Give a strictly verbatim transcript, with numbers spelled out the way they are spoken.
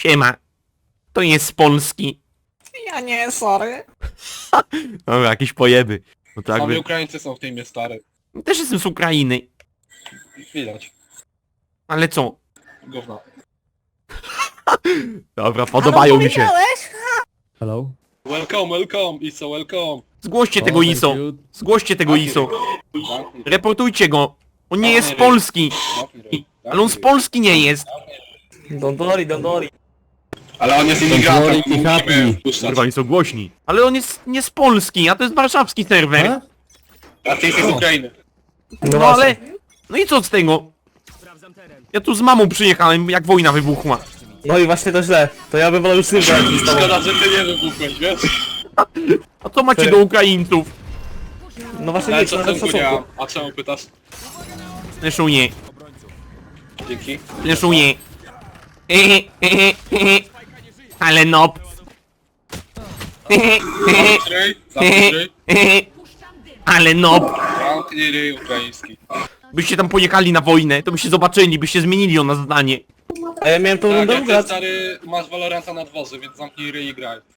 Siema. To jest z Polski. Ja nie, sorry. Dobra, jakieś pojeby. No to Sami jakby... Ukraińcy są w teamie, stary. Też jestem z Ukrainy. Widać. Ale co? Gówno. Dobra, podobają mi się. Hello? Welcome, welcome, Iso, welcome. Zgłoście O, tego thank ISO. you. Zgłoście tego ISO. Zamknij ryj. Reportujcie go. On nie jest z Polski. Zamknij ryj. Ale on z Polski nie jest. Don't worry, don't worry. Ale on jest imigrantem, Don't worry, musimy happy. wpuszczać. Kurwa, oni są głośni. Ale on jest nie z Polski, a to jest warszawski serwer. A? A ty jesteś z Ukrainy. No ale... No i co z tego? Ja tu z mamą przyjechałem, jak wojna wybuchła. No i właśnie to źle. To ja bym wolał już z tym grać niż z tobą. Szkoda, że ty nie wybuchłeś, wiesz? A co macie Ty. do Ukraińców? No właśnie Ale nic, nawet szacunku nie szacunku. mam. A czemu pytasz? Fleszuję, Dzięki. fleszuję. Hehe, hehe, hehe. Ale nob. Hehe, hehe, Zamknij ryj, zamknij ryj. hehe. Ale nob. Zamknij ryj ukraiński. Byście tam pojechali na wojnę, to byście zobaczyli, byście zmienili o nas zdanie. A ja miałem tą Tak, rundę jak ty ugrać. stary masz Valoranta na dworze, więc zamknij ryj i graj.